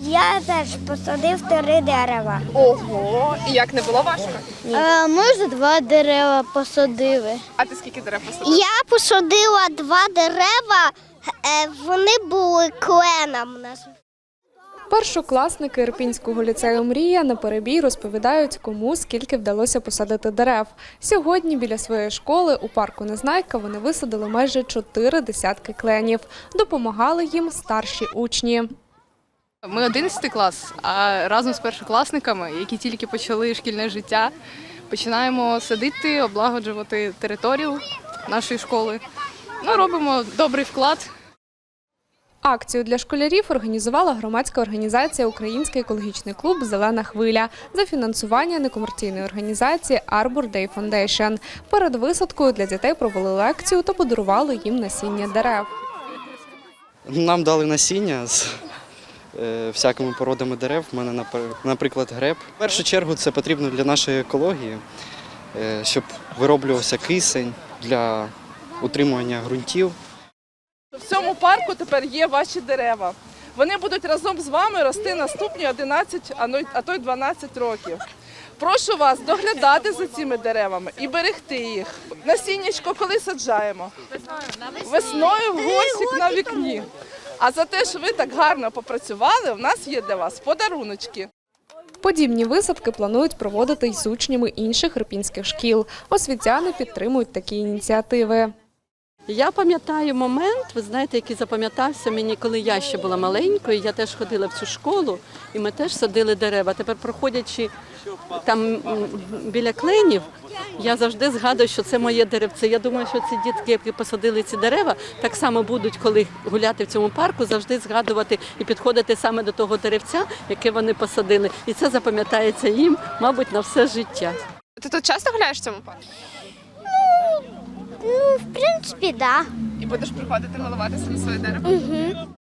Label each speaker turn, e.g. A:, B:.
A: Я теж посадив 3 дерева.
B: Ого, і як, не було важко?
A: Ми вже 2 дерева посадили.
B: А ти скільки дерев посадив?
A: Я посадила 2 дерева, вони були кленом.
C: Першокласники Ірпінського ліцею «Мрія» на перебій розповідають, кому скільки вдалося посадити дерев. Сьогодні біля своєї школи у парку Незнайка вони висадили майже 4 десятки кленів. Допомагали їм старші учні.
D: Ми 11 клас, а разом з першокласниками, які тільки почали шкільне життя, починаємо садити, облагоджувати територію нашої школи. Робимо добрий вклад.
C: Акцію для школярів організувала громадська організація «Український екологічний клуб «Зелена хвиля» за фінансування некомерційної організації Arbor Day Foundation. Перед висадкою для дітей провели лекцію та подарували їм насіння дерев.
E: Нам дали насіння з всякими породами дерев. У мене, наприклад, греб. В першу чергу це потрібно для нашої екології, щоб вироблювався кисень для утримування ґрунтів.
B: В цьому парку тепер є ваші дерева. Вони будуть разом з вами рости наступні 11, а то й 12 років. Прошу вас доглядати за цими деревами і берегти їх. Насіннячко коли саджаємо? Весною в горщик на вікні. А за те, що ви так гарно попрацювали, у нас є для вас подаруночки.
C: Подібні висадки планують проводити й з учнями інших ірпінських шкіл. Освітяни підтримують такі ініціативи.
F: Я пам'ятаю момент, ви знаєте, який запам'ятався мені, коли я ще була маленькою, я теж ходила в цю школу, і ми теж садили дерева. Тепер, проходячи там біля кленів, я завжди згадую, що це моє деревце. Я думаю, що ці дітки, які посадили ці дерева, так само будуть, коли гуляти в цьому парку, завжди згадувати і підходити саме до того деревця, яке вони посадили. І це запам'ятається їм, мабуть, на все життя.
B: Ти тут часто гуляєш в цьому парку?
A: В принципі, так.
B: І будеш приходити милуватися на своє дерево?
A: Угу.